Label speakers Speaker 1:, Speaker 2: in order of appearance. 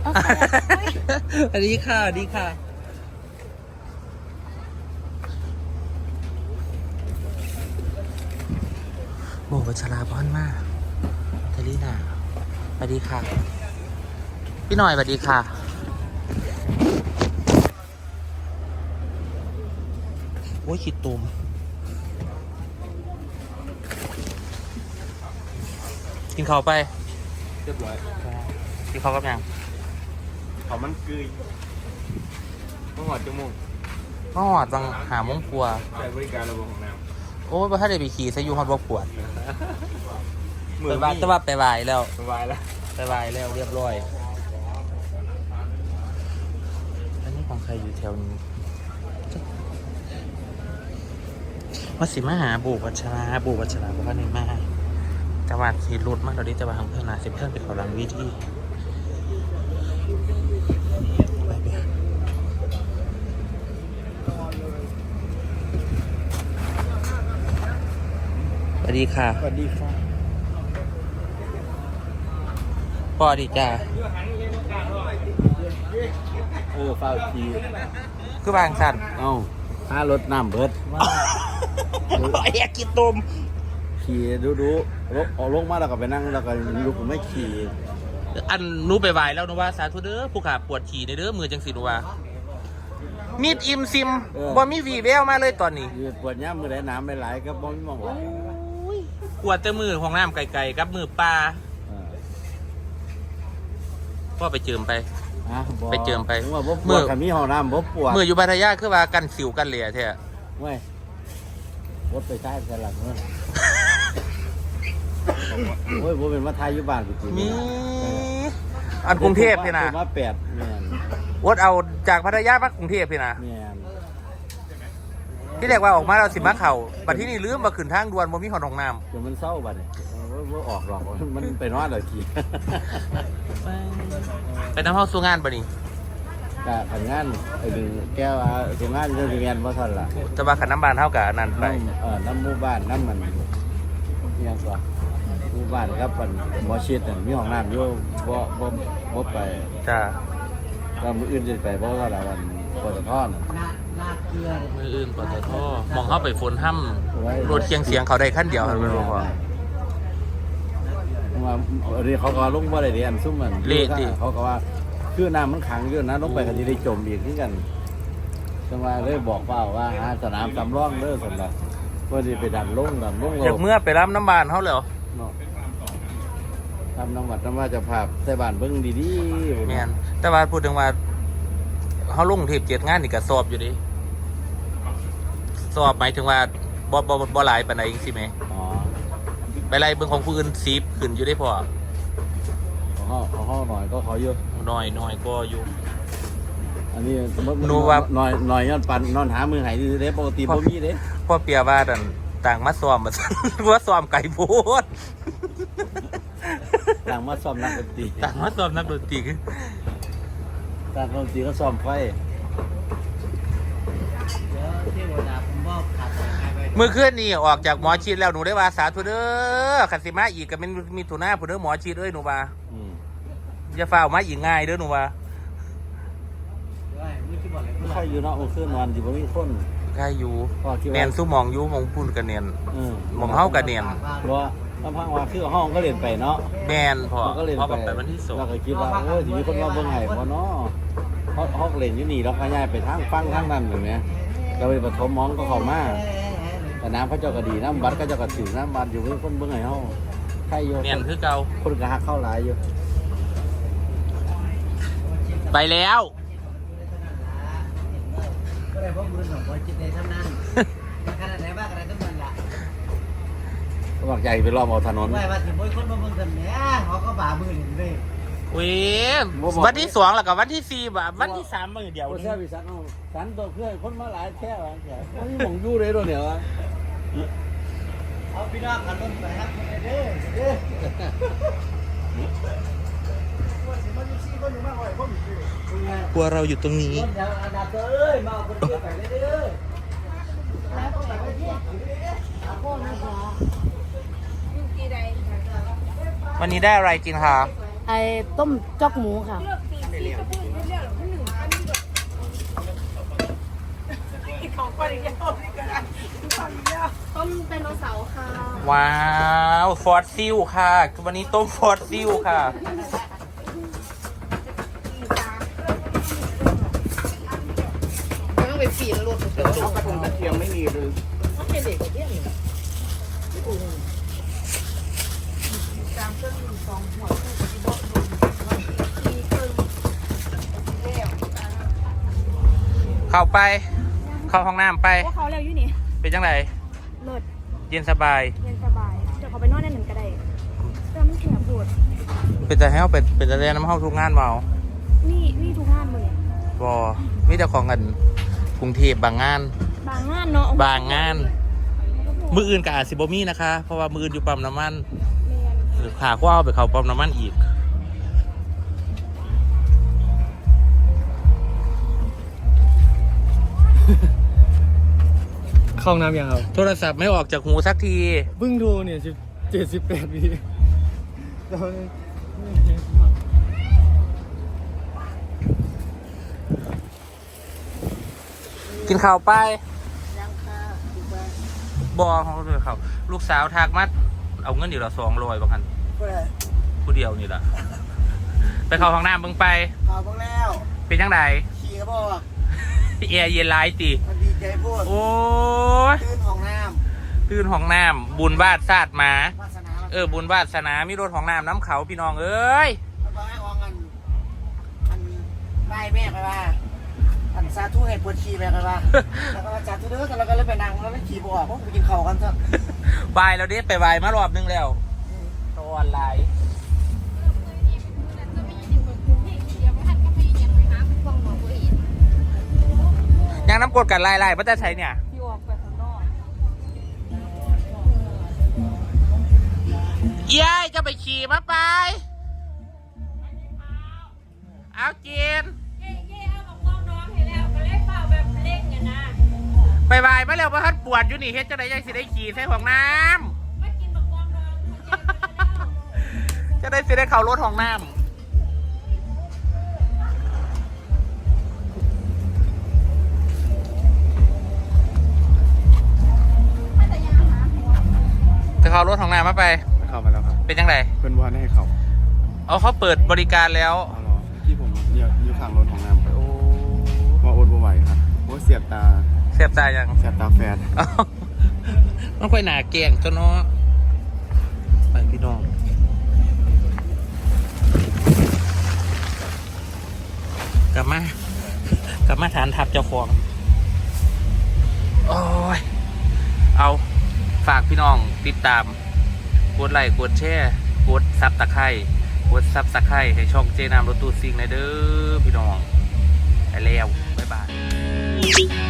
Speaker 1: อันนี้ค่ะดีค่ะโบวัชราพรมากทารีนาสวัสดีค่ะพี่หน่อยสวัสดีค่ะโอ้ยขีดตุ่มกินข้าวไป
Speaker 2: เรียบร้อย
Speaker 1: กินข้าวกับยัง
Speaker 2: เขามันกึยต้องหอดจมูก
Speaker 1: ก็หอดบังหาโมงครัว
Speaker 2: ใช้บริการระบบของน้
Speaker 1: โอ้ยพอถ้าได้ไปขี่ซะอยู่ฮอดบ่ปวด
Speaker 2: ำ
Speaker 1: ไปบ้านแต่ว่าไปวายแล้ว
Speaker 2: สบายแล้ว
Speaker 1: ไปวายแล้วเรียบร้อยอันนี้ของใครอยู่แถวนี้มาสิมาหาบูวัชราบอกว่าในมาจังหวัดขี่รถมากตอนนี้จังหวัดของเพื่อนนาสิเพื่อนไปเขาหลังวิธีสวัสดีค่ะ
Speaker 2: สวัสดีค่ะ
Speaker 1: พ่อดีจ้า
Speaker 2: เฝ้าที
Speaker 1: คือบางสัน
Speaker 2: เอ้าถ้ารถน้ำเบิด
Speaker 1: ไอ้กินตุ่ม
Speaker 2: ขี่ดูออกลงมาแล้วก็ไปนั่งแล้วก็ลุกไม่ขี่
Speaker 1: อันนู้ไปวายแล้วนูว่าสาธุเด้อผู้ขาปวดขี่ในเด้อมือจังสินูว่ามีดอิมซิมบ่มีวีแววมาเลยตอนนี้
Speaker 2: ปวดย่ามมือไหลน้ำไหลก็บ่มีมองว่า
Speaker 1: ปวดแต่มือของน้ำไกลๆกับมือปลาพ่อไปเจิมไปไปเจิมไป
Speaker 2: มือมีห้องน้ำบ่ปวด
Speaker 1: มืออยู่พัทยาคือว่ากันสิวกันเหลี่ยแท้
Speaker 2: เว้ยรถไปใช้สลับเมื่อโอ้ยผมเป็นมาไทยอยู่บ้านจริง
Speaker 1: มีอันกรุงเทพพี่นะ
Speaker 2: มา8แม่น
Speaker 1: วดเอาจากพัทยามากรุงเทพพี่นะ
Speaker 2: แม่น
Speaker 1: ที่เรียกว่าออกมาเราสิมาเข่าบัดที่นี่ลืมมาขึ้นทางด่วนบ่มีหอดห้องน้
Speaker 2: ำเดี๋ยวมันเศร้าบัดเนี่ยว่าออกหรอกมันไปนอนเลยที
Speaker 1: ไปน้ำห้องสู้งานบัดนี้
Speaker 2: กะขันงานไอ้ดึงแก้วสู้งานจะถึงงานว่าทันล่ะ
Speaker 1: จะมาขันน้ำบานเท่ากับนั่นไป
Speaker 2: น้ำหมู่บ้านน้ำมันยังกว่าหมู่บ้านครับมันหมอชิดมีห้องน้ำอยู่บ่ไป
Speaker 1: จ้า
Speaker 2: ก็มืออื่นจะไปเพราะว่าวันปตท
Speaker 1: มืออื่นปตทมองเข้าไปฝนห้ำรถเคียงเสียงเขาได้ขั้นเดียวเป็นบ่พอ
Speaker 2: ว่าเรียกเขาก็ลงว่าอะไรเรียนซุ่มมันเขาก็ว่าคือน้ำมันขังอยู่นะลงไปกันที่ได้จมอีกที่กันจังหวะเลยบอกเปล่าว่าหาสนามสำรองเด้อสำหรับว่าจะไปดันลง
Speaker 1: จากเมื่อไปรับน้ำบานเขาเลย
Speaker 2: ทำน้ำวัดน้ำว่าจะพาใส่บานเบิ้งดี
Speaker 1: ๆเนี่ยแต่ว่าพูดถึงว่าเขาลงเทป7งานนี่ก็สอบอยู่ดิสอบหมายถึงว่าบ่หลายปานใดจริงๆไหมไปไล่เบิ้งของผู้อื่น10ขึ้นอยู่ได้พอ
Speaker 2: เขาหน่อยก็เขาเยอะ
Speaker 1: หน่อยก็อยู่
Speaker 2: อันนี้นูว่าหน่อยย้อนปันนอนหามือหายดีเด้ปกติบ่มีเด้
Speaker 1: พ่อเปียว่าต่างมาซ้อมมาว่าซ้อมไก่โพด
Speaker 2: ต่างมาซ้อมนักดนตรี
Speaker 1: ต่างมาซ้อมนักดนตรี
Speaker 2: ต่างดนตรีก็ซ้อมไฟ
Speaker 1: เมื่อคืนนี้ออกจากหมอชีดแล้วหนูได้ว่าสาธุเด้อขันสิมาอีกก็เป็นมีถุนาผู้เด้อหมอชีดหนูว่าอย่าฝ่ามาอีกง่ายเด้อหนูว่า
Speaker 2: ใครอยู่เนาะเมื่อคืนนอนอยู่บ่มีคน
Speaker 1: ใครอยู่เนียนสู้มองอยู่มองพุ่นกันเนียนมองเฮากันเนียน
Speaker 2: เพราะลำพังว่าคือห้องก็เรียนไปเนาะ
Speaker 1: แมนพอไปวันที่2
Speaker 2: เราก็คิดว่าโอ้ยมีคนมาเบิ่งให้พอเนาะห้องเรียนอยู่นี่เราขยายไปทางฟังทางนั้นอย่างเงี้ยเราไปปฐมมองก็เข้ามาแต่น้ำพระเจ้าก็ดีน้ำบัดก็เจ้าก็ถือน้ำบัดอยู่มีคนเบิ่งให้เฮาใครอยู่
Speaker 1: เนียนคือเก่า
Speaker 2: คนก็หักเข้าหลายอยู่
Speaker 1: ไปแล้ว
Speaker 3: ก็เลยพวกมือของบอลจิตในท่านั้นขนาดไหนบ้างอะไรต้องมันละ
Speaker 2: บอกใหญ่ไปรอบเอาถนน
Speaker 3: ไม่ว่าถึงบอยคนมาเมืองกันเนี่ยเขาก็บ่ามือเห็นเลย
Speaker 1: วันที่2แล้วกับวันที่4แบบวันที่3มือเดียว
Speaker 2: นี่พี่สันตัวเพื่อนคนมาหลายแค่ว่าแค่นี่มองยู่เลยตัวเนี่ยวะ
Speaker 3: เอาพี่น้องขันรถไปครับเด้
Speaker 1: กลัวเราอยู่ตรงนี้วันนี้ได้อะไรกินคะ
Speaker 4: ไอ้ต้มจอกหมูค่ะต้มไดโนเสาร์ค่ะ
Speaker 1: ว้าวฟอสซิลค่ะวันนี้ต้มฟอสซิลค่ะ
Speaker 4: ต้องไปปีนรถเดี๋ยวเอากระทงกระเทียมไม่มีเลยต้องเป็นเด็กเที่ยงตามเครื่องสองหัวที่บอกดูมีเครื่องแล้ว
Speaker 1: เข้าไป เข้าห้องน้ำไป
Speaker 5: ว่าเขาเร็วอยู่นี่
Speaker 1: เป็นจังไร
Speaker 5: เลิศ
Speaker 1: เย็นสบาย
Speaker 5: เย็นสบาย เดี๋ยวเขาไปนอนในหนึ่งก็ได้เริ่มแขบปวด
Speaker 1: เป็นจะให้เอาเป็นจะเรียนน้ำเข้าทุกงานเมา
Speaker 5: นี่ทุกงานเลย
Speaker 1: บอมีแต่ของกันกรุงเทพบางงาน
Speaker 5: บางงานเนาะ
Speaker 1: บางงาน มืออื่นกับอาซิบมี่นะคะ เพราะว่ามืออื่นอยู่ปั๊มน้ำมันหรือขาว่าเอาไปเขาปั๊มน้ำมันอีก
Speaker 6: เข้าห้องน้ำยังครับ
Speaker 1: โทรศัพท์ไม่ออกจากหูสักที
Speaker 6: เพิ่งโทรเนี่ย78 วิตอนนี้
Speaker 1: กินข้าวไป
Speaker 3: ยังค่ะถูกไหม
Speaker 1: บอเขาเลยเขาลูกสาวทักมาเอาเงินอยู่ละ200บางคัน
Speaker 3: เพื่อ
Speaker 1: ผู้เดียวนี่แหละไปเข้าห้องน้ำเบิ่งไป
Speaker 3: ข่าวบ้างแล้ว
Speaker 1: เป็นจังได
Speaker 3: ขี่ก็บอก
Speaker 1: แอร์เย็นหลายติ
Speaker 3: มันดีใจพูด
Speaker 1: โอ้ย
Speaker 3: ตื่นของน้
Speaker 1: ตื่นห้องน้ำบุญบาทศาสตร์มา
Speaker 3: ำวาสนา
Speaker 1: บุญวาสนามีรถของน้ำน้ำเขาพี่น้องเอ้ย
Speaker 3: แล้วก็ให้อองมันไหว้แม่ไปว่าอันสาธุให้ปวดขี่ไปกันว่าแล้วก็สาธุเด้อแต่เราก็เลยไปนั่งแล้วไม่ขี่บออกเพราะไปกินข้าวกันซะ
Speaker 1: วายแล้วเด้ไปวายมารอบนึงแล้วตัวออนไลน์ยังน้ำกดกันไล่ๆพระเจ้าใช้เนี่ย
Speaker 5: พี่ออกไปข้างนอก
Speaker 1: เย้ยจะไปขี่มาไป เอาจีนไปวายมาแล้วว่าฮัดปวดอยู่นี่เฮ็ดจะได้ยังสิได้ขี่ใส่ห้องน้ำจะได้สิได้เข้ารถห้องน้ำจะเข้ารถห้องน้ำมาไป
Speaker 6: เข้ามาแล้วครับ
Speaker 1: เป็นยังไง
Speaker 6: เป็นวันให้เขา
Speaker 1: เอาเขาเปิดบริการแล้ว
Speaker 6: อ๋อเหรอที่ผมเนี่ยอยู่ข้างรถของน้ำ
Speaker 1: โอ้
Speaker 6: ว่าอดบ่ไหวครับโอ้เสียบตา
Speaker 1: เสียบตายัง
Speaker 6: เสียบตาแฟน
Speaker 1: เอ้ามันค่อยหนาเก่งจนเนาะไปพี่น้องกลับมาฐานทับเจ้าของโอ้ยเอาฝากพี่น้องติดตามกดไลค์กดแชร์กดซับตะไคร้กดซับตะไคร้ให้ช่องเจนามรถตู้ซิงในเด้อพี่น้องไปแล้วบ๊ายบาย